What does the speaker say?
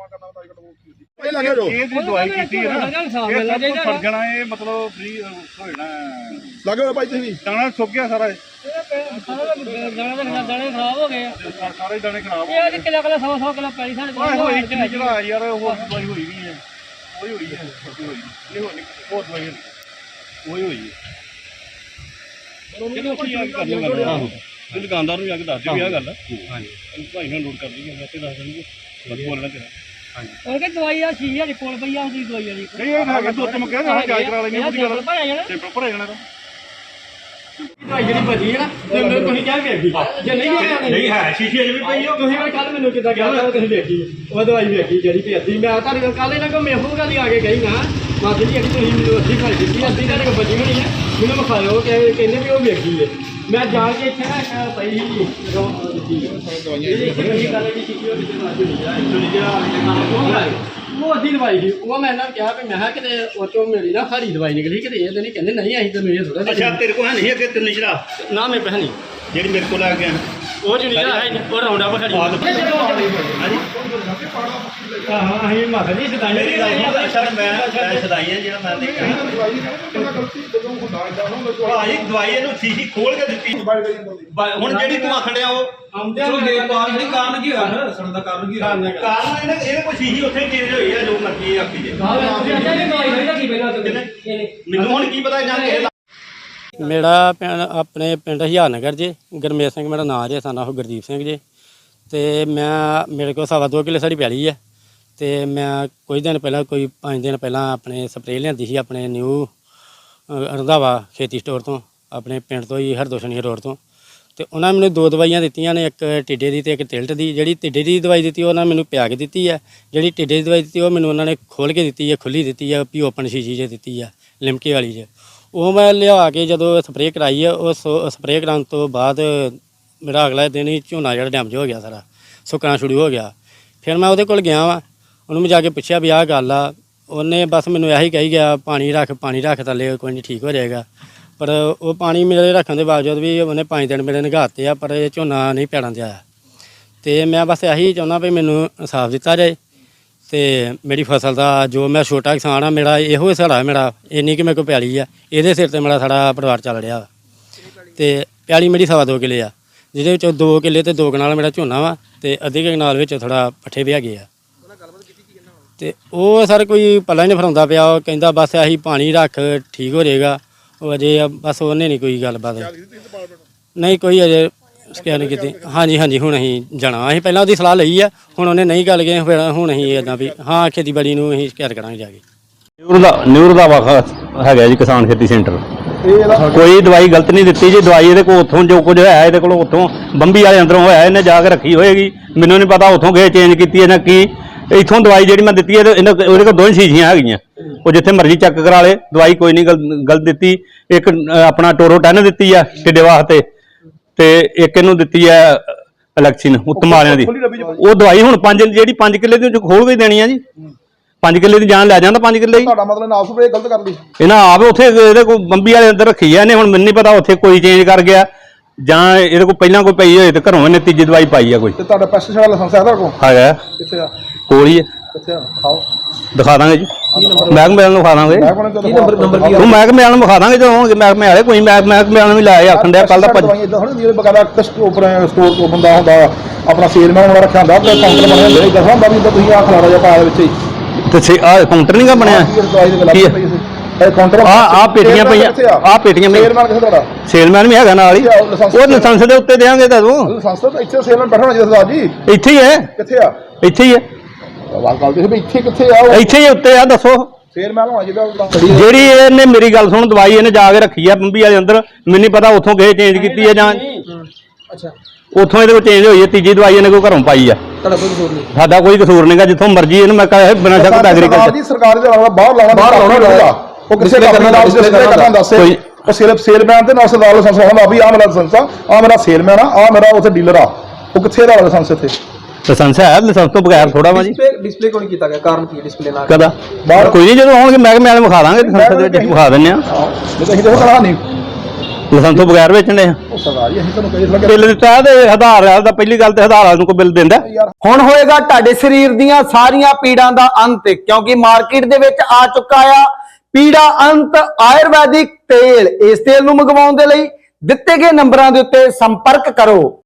ਦਵਾਈ ਕੀਤੀ ਹੈ ਨਾ ਜਾਣਾ ਇਹ ਮਤਲਬ ਫ੍ਰੀ ਹੋ ਜਾਣਾ ਲੱਗੇ ਹੋਏ ਭਾਈ ਤੁਸੀਂ ਦਾਣਾ ਸੁੱਕ ਗਿਆ ਸਾਰਾ ਦਾਣੇ ਖਰਾਬ ਹੋ ਗਏ ਸਾਰੇ ਦਾਣੇ ਖਰਾਬ ਇਹ ਅੱਜ ਕਿਲੋ 100 ਕਿਲੋ ਪੈਲੀ ਸਾਡੇ ਕੋਲ ਹੋਈ ਕਿੰਨੀ ਜਗ੍ਹਾ ਯਾਰ ਉਹ ਦਵਾਈ ਹੋਈ ਨਹੀਂ ਹੈ ਉਹੀ ਹੋਈ ਹੈ ਇਹ ਹੋਰ ਦਵਾਈ ਉਹੀ ਹੋਈ ਹੈ ਦੁਕਾਨਦਾਰ ਨੂੰ ਜਾ ਕੇ ਦੱਸ ਦਿਓ ਇਹ ਗੱਲ ਹਾਂਜੀ ਭਾਈ ਨਾਲ ਨੋਟ ਕਰ ਲਈਏ ਮੈਂ ਤੇ ਦੱਸ ਦੇਣਗੇ ਬਸ ਬੋਲਣਾ ਤੇਰਾ ਹਾਂਜੀ ਉਹ ਕਿ ਦਵਾਈ ਆ 6000 ਕੋਲ ਪਈ ਆ ਉਹਦੀ ਦਵਾਈ ਵਾਲੀ ਨਹੀਂ ਇਹ ਹੈਗਾ ਦੋ ਤੁਮ ਕਹਿੰਦਾ ਜਾਂਚ ਕਰਾ ਲੈਣੀ ਉਹਦੀ ਗੱਲ ਤੇ ਪ੍ਰੋਪਰ ਆ ਜਾਣਾ ਤਾਂ ਦਵਾਈ ਜਿਹੜੀ ਭੱਜੀ ਹੈ ਨਾ ਤੁਸੀਂ ਕਿਹਾ ਵੇਖੀ ਜੇ ਨਹੀਂ ਹੈ ਸ਼ੀਸ਼ੇ ਅਜੇ ਵੀ ਪਈ ਹੋ ਤੁਸੀਂ ਕੱਲ ਮੈਨੂੰ ਕਿੱਦਾਂ ਕਿਹਾ ਤੁਸੀਂ ਵੇਖੀ ਉਹ ਦਵਾਈ ਵੇਖੀ ਜਿਹੜੀ ਭੱਜੀ ਮੈਂ ਤੁਹਾਡੇ ਕੋਲ ਕੱਲ ਇਹਨਾਂ ਕੋਲ ਮੇਹੂ ਗੱਲ ਆ ਕੇ ਗਈ ਨਾ ਮਾਸੀ ਜੀ ਤੁਸੀਂ ਮੈਨੂੰ ਅੱਧੀ ਘਰ ਦਿੱਤੀ ਅੱਧੀ ਤੁਹਾਡੇ ਕੋਲ ਬਚੀ ਹੋਣੀ ਹੈ ਮੈਨੂੰ ਵਿਖਾਇਓ ਕਹਿੰਦੇ ਵੀ ਉਹ ਵੇਖੀ ਹੈ ਮੈਂ ਜਾ ਕੇ ਇੱਥੇ ਨਾ ਪਈ ਸੀ ਉਹ ਅੱਧੀ ਦਵਾਈ ਸੀ ਉਹ ਮੈਂ ਇਹਨਾਂ ਨੂੰ ਕਿਹਾ ਵੀ ਮੈਂ ਕਿਤੇ ਉਹ ਚੋਂ ਮੇਰੀ ਨਾ ਸਾਰੀ ਦਵਾਈ ਨਿਕਲੀ ਕਿਤੇ ਇਹ ਤਾਂ ਨਹੀਂ ਕਹਿੰਦੇ ਨਹੀਂ ਅਸੀਂ ਤੈਨੂੰ ਇਹ ਥੋੜਾ ਅੱਛਾ ਤੇਰੇ ਕੋਲ ਹੈ ਨਹੀਂ ਅੱਗੇ ਤੈਨੂੰ ਜਿਹੜਾ ਨਾ ਮੈਂ ਪਹਿਨੀ ਜਿਹੜੀ ਮੇਰੇ ਕੋਲ ਆ ਗਿਆ ਉਹ ਜਿਹੜੀ ਹੈ ਉਹ ਰਾਉਂਡ ਅਪ ਸਾਡੀ ਹਾਂ ਅਸੀਂ ਮਾਤਾ ਜੀ ਸਦਾਈ ਮੇਰੀ ਗੱਲ ਸੁਣ ਅੱਛਾ ਮੈਂ ਸਦਾਈ ਆ ਜਿਹੜਾ ਮੈਂ ਦੇਖਿਆ ਭਾਜੀ ਦਵਾਈ ਇਹਨੂੰ ਸ਼ੀਸ਼ੀ ਖੋਲ ਕੇ ਦਿੱਤੀ ਹੁਣ ਜਿਹੜੀ ਤੂੰ ਆਖਣ ਡਿਆ ਉਹ ਕਾਰਨ ਕੀ ਹੋਇਆ ਸਣ ਦਾ ਕਾਰਨ ਕੀ ਹੋਇਆ ਕਾਰਨ ਇਹਦੇ ਕੋਈ ਸ਼ੀਸ਼ੀ ਉੱਥੇ ਚੇਂਜ ਹੋਈ ਆ ਜੋ ਮਰਜ਼ੀ ਆਖੀ ਜੇ ਮੈਨੂੰ ਹੁਣ ਕੀ ਪਤਾ ਜਾਂ ਕਿ ਮੇਰਾ ਆਪਣੇ ਪਿੰਡ ਹਿਆਰਨਗਰ ਜੇ ਗੁਰਮੇਲ ਸਿੰਘ ਮੇਰਾ ਨਾਂ ਜੇ ਸਾਨਾ ਉਹ ਗੁਰਦੀਪ ਸਿੰਘ ਜੇ ਤੇ ਮੇਰੇ ਕੋਲ 2.5 ਕਿੱਲੇ ਸਾਡੀ ਪੈਲੀ ਹੈ ਤੇ ਮੈਂ ਕੁਝ ਦਿਨ ਪਹਿਲਾਂ ਕੋਈ 5 ਦਿਨ ਪਹਿਲਾਂ ਆਪਣੇ ਸਪਰੇਅ ਲਿਆਂਦੀ ਸੀ ਆਪਣੇ ਨਿਊ ਰੰਧਾਵਾ ਖੇਤੀ ਸਟੋਰ ਤੋਂ ਆਪਣੇ ਪਿੰਡ ਤੋਂ ਹੀ ਹਰਦੋਸ਼ਣੀ ਰੋਡ ਤੋਂ ਤੇ ਉਹਨਾਂ ਮੈਨੂੰ 2 ਦਵਾਈਆਂ ਦਿੱਤੀਆਂ ਨੇ ਇੱਕ ਟਿੱਡੇ ਦੀ ਤੇ ਇੱਕ ਤਿਲਟ ਦੀ ਜਿਹੜੀ ਟਿੱਡੇ ਦੀ ਦਵਾਈ ਦਿੱਤੀ ਉਹਨਾਂ ਮੈਨੂੰ ਪਿਆ ਕੇ ਦਿੱਤੀ ਹੈ ਜਿਹੜੀ ਟਿੱਡੇ ਦੀ ਦਵਾਈ ਦਿੱਤੀ ਉਹ ਮੈਨੂੰ ਉਹਨਾਂ ਨੇ ਖੋਲ੍ਹ ਕੇ ਦਿੱਤੀ ਹੈ ਖੁੱਲ੍ਹੀ ਦਿੱਤੀ ਹੈ ਵੀ ਓਪਨ ਸ਼ੀਸ਼ੀ 'ਚ ਦਿੱਤੀ ਹੈ ਲਿਮਕੇ ਵਾਲੀ 'ਚ ਉਹ ਮੈਂ ਲਿਆ ਕੇ ਜਦੋਂ ਸਪਰੇਅ ਕਰਾਈ ਹੈ ਉਹ ਸਪਰੇਅ ਕਰਾਉਣ ਤੋਂ ਬਾਅਦ ਮੇਰਾ ਅਗਲਾ ਦਿਨ ਹੀ ਝੋਨਾ ਜਿਹੜਾ ਡੈਮੇਜ ਹੋ ਗਿਆ ਸਾਰਾ ਸੁੱਕਣਾ ਸ਼ੁਰੂ ਹੋ ਗਿਆ ਫਿਰ ਮੈਂ ਉਹਦੇ ਕੋਲ ਗਿਆ ਵਾਂ ਉਹਨੂੰ ਮੈਂ ਜਾ ਕੇ ਪੁੱਛਿਆ ਵੀ ਆਹ ਗੱਲ ਆ ਉਹਨੇ ਬਸ ਮੈਨੂੰ ਇਹੀ ਕਹੀ ਗਿਆ ਪਾਣੀ ਰੱਖ ਥੱਲੇ ਕੋਈ ਨਹੀਂ ਠੀਕ ਹੋ ਜਾਏਗਾ ਪਰ ਉਹ ਪਾਣੀ ਮੇਰੇ ਰੱਖਣ ਦੇ ਬਾਵਜੂਦ ਵੀ ਉਹਨੇ 5 ਦਿਨ ਮੇਰੇ ਨਿਗਾਹਤੇ ਆ ਪਰ ਇਹ ਝੋਨਾ ਨਹੀਂ ਪੈੜਾਂ 'ਤੇ ਆਇਆ ਅਤੇ ਮੈਂ ਬਸ ਇਹੀ ਚਾਹੁੰਦਾ ਵੀ ਮੈਨੂੰ ਇਨਸਾਫ ਦਿੱਤਾ ਜਾਏ ਅਤੇ ਮੇਰੀ ਫਸਲ ਦਾ ਜੋ ਮੈਂ ਛੋਟਾ ਕਿਸਾਨ ਆ ਮੇਰਾ ਇਹੋ ਹਿਸਾੜਾ ਮੇਰਾ ਇੰਨੀ ਕਿ ਮੇਰੇ ਕੋਲ ਪੈਲੀ ਆ ਇਹਦੇ ਸਿਰ 'ਤੇ ਮੇਰਾ ਸਾਰਾ ਪਰਿਵਾਰ ਚੱਲ ਰਿਹਾ ਵਾ ਅਤੇ ਪੈਲੀ ਮੇਰੀ 2.5 ਕਿੱਲੇ ਆ ਜਿਹਦੇ ਵਿੱਚੋਂ 2 ਕਿੱਲੇ ਅਤੇ 2 ਕਨਾਲ ਮੇਰਾ ਝੋਨਾ ਵਾ ਅਤੇ ਅੱਧੇ ਕਨਾਲ ਵਿੱਚ ਥੋੜ੍ਹਾ ਪੱਠੇ ਵੀ ਹੈਗੇ ਆ ਅਤੇ ਉਹ ਸਰ ਕੋਈ ਪੱਲਾ ਹੀ ਨਹੀਂ ਫਰਾਉਂਦਾ ਪਿਆ ਉਹ ਕਹਿੰਦਾ ਬਸ ਅਸੀਂ ਪਾਣੀ ਰੱਖ ਠੀਕ ਹੋ ਜਾਏਗਾ ਉਹ ਅਜੇ ਬਸ ਉਹਨੇ ਨਹੀਂ ਕੋਈ ਗੱਲਬਾਤ ਨਹੀਂ ਕੋਈ ਅਜੇ ਸਕੈਨ ਨਹੀਂ ਕੀਤੀ ਹਾਂਜੀ ਹੁਣ ਅਸੀਂ ਜਾਣਾ ਅਸੀਂ ਪਹਿਲਾਂ ਉਹਦੀ ਸਲਾਹ ਲਈ ਆ ਹੁਣ ਉਹਨੇ ਨਹੀਂ ਗੱਲ ਗਏ ਫਿਰ ਹੁਣ ਅਸੀਂ ਇੱਦਾਂ ਵੀ ਹਾਂ ਖੇਤੀਬਾੜੀ ਨੂੰ ਅਸੀਂ ਸ਼ਿਕਾਇਤ ਕਰਾਂਗੇ ਜਾ ਕੇ ਨਿਊ ਰੰਧਾਵਾ ਹੈਗਾ ਜੀ ਕਿਸਾਨ ਖੇਤੀ ਸੈਂਟਰ ਕੋਈ ਦਵਾਈ ਗਲਤ ਨਹੀਂ ਦਿੱਤੀ ਜੀ ਦਵਾਈ ਇਹਦੇ ਕੋਲ ਉੱਥੋਂ ਜੋ ਕੁਝ ਹੋਇਆ ਇਹਦੇ ਕੋਲ ਉੱਥੋਂ ਬੰਬੀ ਵਾਲੇ ਅੰਦਰੋਂ ਹੋਇਆ ਇਹਨੇ ਜਾ ਕੇ ਰੱਖੀ ਹੋਏਗੀ ਮੈਨੂੰ ਨਹੀਂ ਪਤਾ ਉੱਥੋਂ ਗਏ ਚੇਂਜ ਕੀਤੀ ਇਹਨਾਂ ਕੀ ਇੱਥੋਂ ਦਵਾਈ ਜਿਹੜੀ ਮੈਂ ਦਿੱਤੀ ਉਹਦੇ ਕੋਲ 2 ਸ਼ੀਸ਼ੀਆਂ ਹੈਗੀਆਂ ਉਹ ਜਿੱਥੇ ਮਰਜ਼ੀ ਚੈੱਕ ਕਰਾ ਲੇ ਦਵਾਈ ਕੋਈ ਨਹੀਂ ਗਲਤ ਦਿੱਤੀ ਇੱਕ ਆਪਣਾ ਟੋਰੋ 10 ਦਿੱਤੀ ਆ ਟਿੱਡੇ ਵਾਸਤੇ ਤੇ ਇੱਕ ਇਹਨੂੰ ਦਿੱਤੀ ਆ ਇਲੈਕਸ਼ਨ ਉੱਤਮ ਵਾਲਿਆਂ ਦੀ ਉਹ ਦਵਾਈ ਹੁਣ 5 ਕਿੱਲੇ ਦੀ ਖੋਲ ਕੇ ਦੇਣੀ ਆ ਜੀ 5 ਕਿੱਲੇ ਦੀ ਜਾਨ ਲੈ ਜਾਂਦਾ 5 ਕਿੱਲੇ ਹੀ ਤੁਹਾਡਾ ਮਤਲਬ ਨਾਪ ਸਪਰੇ ਗਲਤ ਕਰ ਲਈ ਇਹਨਾਂ ਆਪ ਉੱਥੇ ਇਹਦੇ ਕੋਲ ਬੰਬੀ ਵਾਲੇ ਅੰਦਰ ਰੱਖੀ ਆ ਇਹਨੇ ਹੁਣ ਮੈਨੂੰ ਨਹੀਂ ਪਤਾ ਉੱਥੇ ਕੋਈ ਚੇਂਜ ਕਰ ਗਿਆ ਜਾਂ ਇਹਦੇ ਕੋਲ ਪਹਿਲਾਂ ਕੋਈ ਪਈ ਹੋਏ ਤੇ ਘਰੋਂ ਇਹਨੇ ਤੀਜੀ ਦਵਾਈ ਪਾਈ ਆ ਕੋਈ ਤੇ ਤੁਹਾਡਾ ਪੈਸਟੀਸਾਈਡ ਵਾਲਾ ਲਾਇਸੈਂਸ ਹੈ ਤੁਹਾਡੇ ਕੋਲ ਹੈਗਾ ਕਿੱਥੇ ਆ ਕੋਲ ਹੀ ਹੈ ਕਿੱਥੇ ਆ ਦਿਖਾਓ ਦਿਖਾ ਦਾਂਗੇ ਜੀ ਮਹਿਕਮੇ ਵਾਲਿਆਂ ਨੂੰ ਵਿਖਾ ਦਾਂਗੇ ਕੀ ਨੰਬਰ ਕੀ ਉਹ ਮਹਿਕਮੇ ਵਾਲਿਆਂ ਨੂੰ ਵਿਖਾ ਦਾਂਗੇ ਜਦੋਂ ਮਹਿਕਮੇ ਵਾਲੇ ਕੋਈ ਮਹਿਕਮੇ ਵਾਲਿਆਂ ਨੂੰ ਲਾਇਆ ਆਖਣ ਡਿਆ ਕੱਲ ਦਾ ਦਵਾਈ ਇਦਾਂ ਥੋੜੀ ਜਿਹੜੇ ਬਕਾਇਦਾ ਸਟੋਰ ਤੋਂ ਬੰਦਾ ਹੁੰਦਾ ਆਪਣਾ ਸੇਲਮੈਨ ਹੋਣਾ ਰੱਖਿਆ ਹੁੰਦਾ ਤੇ ਕਾਊਂਟਰ ਬਣਿਆ ਹੁੰਦਾ ਇਹ ਦੱਸਦਾ ਹੁੰਦਾ ਵੀ ਤੁਸੀਂ ਆਹ ਖਲਾਰਾ ਜਿਹਾ ਪਾਇਆ ਵਿੱਚ ਹੀ ਤੇ ਆਹ ਕਾਊਂਟਰ ਨਹੀਂ ਗਾ ਬਣਿਆ ਕੀ ਕਾਊਂਟਰ ਆ ਪੇਟੀਆਂ ਪਈਆਂ ਆ ਪੇਟੀਆਂ ਸੇਲਮੈਨ ਕਿੱਥੇ ਤੁਹਾਡਾ ਸੇਲਮੈਨ ਵੀ ਹੈਗਾ ਨਾਲ ਹੀ ਉਹ ਲਾਇਸੈਂਸ ਦੇ ਉੱਤੇ ਦੇਾਂਗੇ ਤੁਹਾਨੂੰ ਲਾਇਸੈਂਸ ਤਾਂ ਇੱਥੇ ਸੇਲਮੈਨ ਬੈਠਣਾ ਚਾਹੀਦਾ ਸਰਦਾਰ ਜੀ ਇੱਥੇ ਹੀ ਹੈ ਕਿੱਥੇ ਆ ਇੱਥੇ ਹੀ ਹੈ ਗੱਲ ਤੇ ਇੱਥੇ ਕਿੱਥੇ ਆ ਇੱਥੇ ਹੀ ਉੱਤੇ ਆ ਦੱਸੋ ਸੇਲਮੈਨ ਹੋਣਾ ਚਾਹੀਦਾ ਜਿਹੜੀ ਇਹਨੇ ਮੇਰੀ ਗੱਲ ਸੁਣ ਦਵਾਈ ਇਹਨੇ ਜਾ ਕੇ ਰੱਖੀ ਆ ਬੰਬੀ ਵਾਲੇ ਅੰਦਰ ਮੈਨੂੰ ਨਹੀਂ ਪਤਾ ਉੱਥੋਂ ਗਏ ਚੇਂਜ ਕੀਤੀ ਹੈ ਜਾਂ ਅੱਛਾ ਉੱਥੋਂ ਇਹਦੇ ਕੋਲ ਚੇਂਜ ਹੋਈ ਹੈ ਤੀਜੀ ਦਵਾਈ ਇਹਨੇ ਕੋਈ ਘਰੋਂ ਪਾਈ ਆ ਤੁਹਾਡਾ ਕੋਈ ਕਸੂਰ ਨਹੀਂ ਸਾਡਾ ਕੋਈ ਕਸੂਰ ਨਹੀਂਗਾ ਜਿੱਥੋਂ ਮਰਜ਼ੀ ਇਹਨੂੰ ਮੈਂ ਕਹਾਂ ਬਿਨਾਂ ਸ਼ੱਕ ਐਗਰੀਕਲਚਰ ਜੀ ਸਰਕਾਰ ਦੇ ਬਾਹਰ ਲਾਉਣਾ ਉਹ ਕਿਸੇ ਕਰਨਾ ਦੱਸੇ ਉਹ ਸਿਰਫ ਸੇਲਮੈਨ ਤੇ ਨਾਲ ਸਰਦਾਰ ਲਾਇਸੈਂਸ ਹੁੰਦਾ ਵੀ ਆਹ ਮੇਰਾ ਲਾਇਸੈਂਸ ਆ ਮੇਰਾ ਸੇਲਮੈਨ ਆ ਮੇਰਾ ਉੱਥੇ ਡੀਲਰ ਆ ਉਹ ਕਿੱਥੇ ਦਾ ਲਾਇਸੈਂਸ ਇੱਥੇ ਲਾਇਸੈਂਸ ਹੈ ਲਾਇਸੈਂਸ ਤੋਂ ਬਗੈਰ ਥੋੜਾ ਵਾ ਜੀ ਡਿਸਪਲੇ ਕਿਉਂ ਨਹੀਂ ਕੀਤਾ ਗਿਆ ਕਾਰਨ ਕੀ ਡਿਸਪਲੇ ਨਾਲ ਕਦਾ ਕੋਈ ਨਹੀਂ ਜਦੋਂ ਆਉਣਗੇ ਮਹਿਕਮੇ ਵਾਲੇ ਵਿਖਾ ਦਾਂਗੇ ਲਾਇਸੈਂਸ ਦੇ ਵਿੱਚ ਵਿਖਾ ਦਿੰਦੇ ਆ ਨਹੀਂ ਤਾਂ ਅਸੀਂ ਦੇਖੋ ਕਰਾ ਨਹੀਂ ਲਾਇਸੈਂਸ ਤੋਂ ਬਗੈਰ ਵੇਚਣੇ ਆ। ਉਹ ਸਰਦਾਰ ਜੀ ਅਸੀਂ ਤੁਹਾਨੂੰ ਕਹੀ ਲੱਗੇ ਬਿੱਲ ਦਿੱਤਾ ਤੇ ਆਧਾਰ ਦਾ ਪਹਿਲੀ ਗੱਲ ਤੇ ਆਧਾਰ ਨੂੰ ਕੋਈ ਬਿੱਲ ਦਿੰਦਾ। ਹੁਣ ਹੋਏਗਾ ਤੁਹਾਡੇ ਸਰੀਰ ਦੀਆਂ ਸਾਰੀਆਂ ਪੀੜਾਂ ਦਾ ਅੰਤ, ਕਿਉਂਕਿ ਮਾਰਕੀਟ ਦੇ ਵਿੱਚ ਆ ਚੁੱਕਾ ਆ ਪੀੜਾ ਅੰਤ ਆਯੁਰਵੈਦਿਕ ਤੇਲ। ਇਸ ਤੇਲ ਨੂੰ ਮੰਗਵਾਉਣ ਦੇ ਲਈ ਦਿੱਤੇ ਗਏ ਨੰਬਰਾਂ ਦੇ ਉੱਤੇ ਸੰਪਰਕ ਕਰੋ।